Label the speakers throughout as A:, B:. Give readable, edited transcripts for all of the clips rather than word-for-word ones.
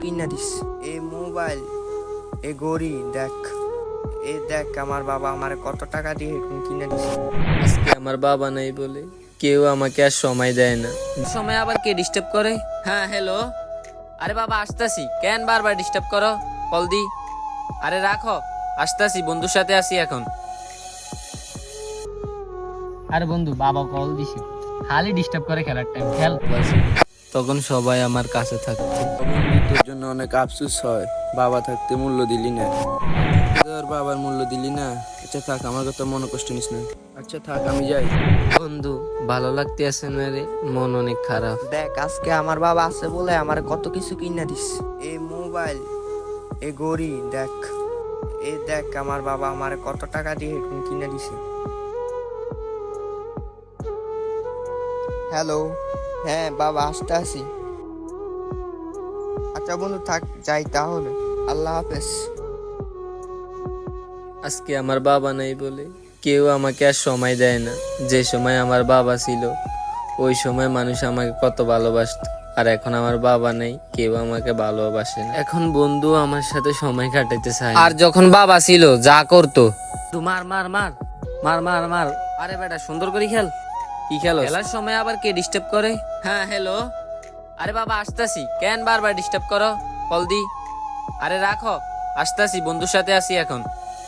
A: কিনা this A mobile, এ ঘড়ি দেখ, এ দেখ আমার বাবা আমার কত টাকা দিয়ে হেডফোন কিনা দিছে।
B: আজকে আমার বাবা নাই বলে কেউ আমাকে আর সময় দেয় না। সময় আবার কে ডিস্টার্ব করে? হ্যাঁ হ্যালো, আরে বাবা আসতাছি, কেন বারবার ডিস্টার্ব করো? কল দি। আরে রাখো, আসতাছি, বন্ধুর সাথে আসি এখন। আরে বন্ধু, বাবা কল দিছে, খালি ডিস্টার্ব করে, খেলার টাইম খেল। তখন সবাই আমার কাছে থাকতো।
C: তোর জন্য অনেক আফসোস হয়, বাবা থাকতে মূল্য দিলি না। তোর বাবার মূল্য দিলি না। আচ্ছা থাক, আমার কথা মনে কষ্ট নিস না। আচ্ছা থাক, আমি যাই।
B: বন্ধু ভালো লাগতে আছে না রে, মন অনেক খারাপ।
A: দেখ আজকে আমার বাবা আছে বলে আমার কত কিছু কিনা দিস। এ মোবাইল, এ ঘড়ি দেখ, এ দেখ আমার বাবা আমার কত টাকা দিয়ে হেডফোন কিনা দিছে। হ্যালো, হ্যাঁ বাবা আসতে আসি। আচ্ছা বন্ধু থাক, যাই তাহলে, আল্লাহ হাফেজ।
B: আজকে আমার বাবা নাই বলে কেউ আমাকে আর সময় দেয় না। যে সময় আমার বাবা ছিল ওই সময় মানুষ আমাকে কত ভালোবাসতো, আর এখন আমার বাবা নেই, কেউ আমাকে ভালোবাসে না। এখন বন্ধু আমার সাথে সময় কাটাইতে চায়। আর যখন বাবা ছিল যা করতো, মার মার মার মার মার মার। আরে বেটা সুন্দর করে খেল। কি খেলো? খেলার সময় আবার কে ডিস্টার্ব করে? হ্যাঁ হ্যালো, আরে বাবা আসতাছি, কেন বারবার ডিস্টার্ব করো? কল দি। আরে রাখো, আসতাছি, বন্ধুর সাথে আসি এখন।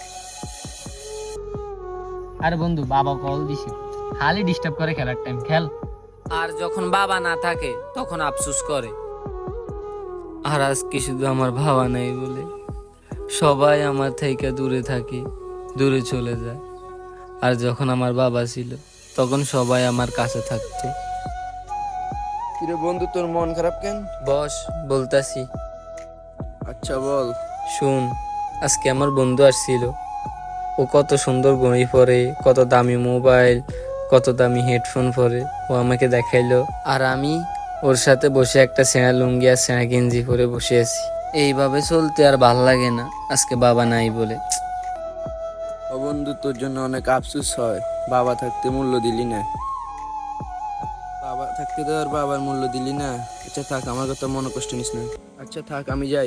B: আরে বন্ধু, বাবা কল দিছে, খালি ডিস্টার্ব করে, খেলার টাইম খেল। আর যখন বাবা না থাকে তখন আফসোস করে। আর আজকে শুধু আমার বাবা নেই বলে সবাই আমার থেকে দূরে থাকে, দূরে চলে যায়। আর যখন আমার বাবা ছিল তখন সবাই আমার কাছে থাকতো।
C: কিরে বন্ধু, তোর মন খারাপ কেন?
B: বস, বলতাছি।
C: আচ্ছা বল।
B: শুন, আজকে আমার বন্ধু আসছিল। ও কত সুন্দর ঘড়ি পরে, কত দামি মোবাইল, কত দামি হেডফোন পরে ও আমাকে দেখাইলো। আর আমি ওর সাথে বসে একটা সেনা লুঙ্গি আর সেনা গেঞ্জি পরে বসে আছি। এইভাবে চলতে আর ভাল লাগে না আজকে বাবা নাই বলে।
C: ও বন্ধু, তোর জন্য অনেক আফসোস হয়, বাবা থাকতে মূল্য দিলি না। বাবা থাকতে তোর বাবার মূল্য দিলি না। আচ্ছা থাক, আমার কথা মনে কষ্ট নিস না। আচ্ছা থাক, আমি যাই।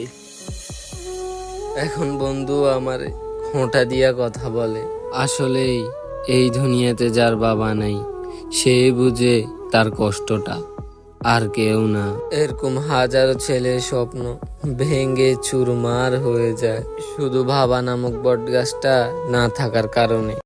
B: এখন বন্ধু আমার খোঁটা দিয়া কথা বলে। আসলেই এই দুনিয়াতে যার বাবা নাই সে বুঝে তার কষ্টটা, আর কেউ না। এরকম হাজারো ছেলের স্বপ্ন ভেঙে চুরমার হয়ে যায় শুধু বাবা নামক বটগাছটা না থাকার কারণে।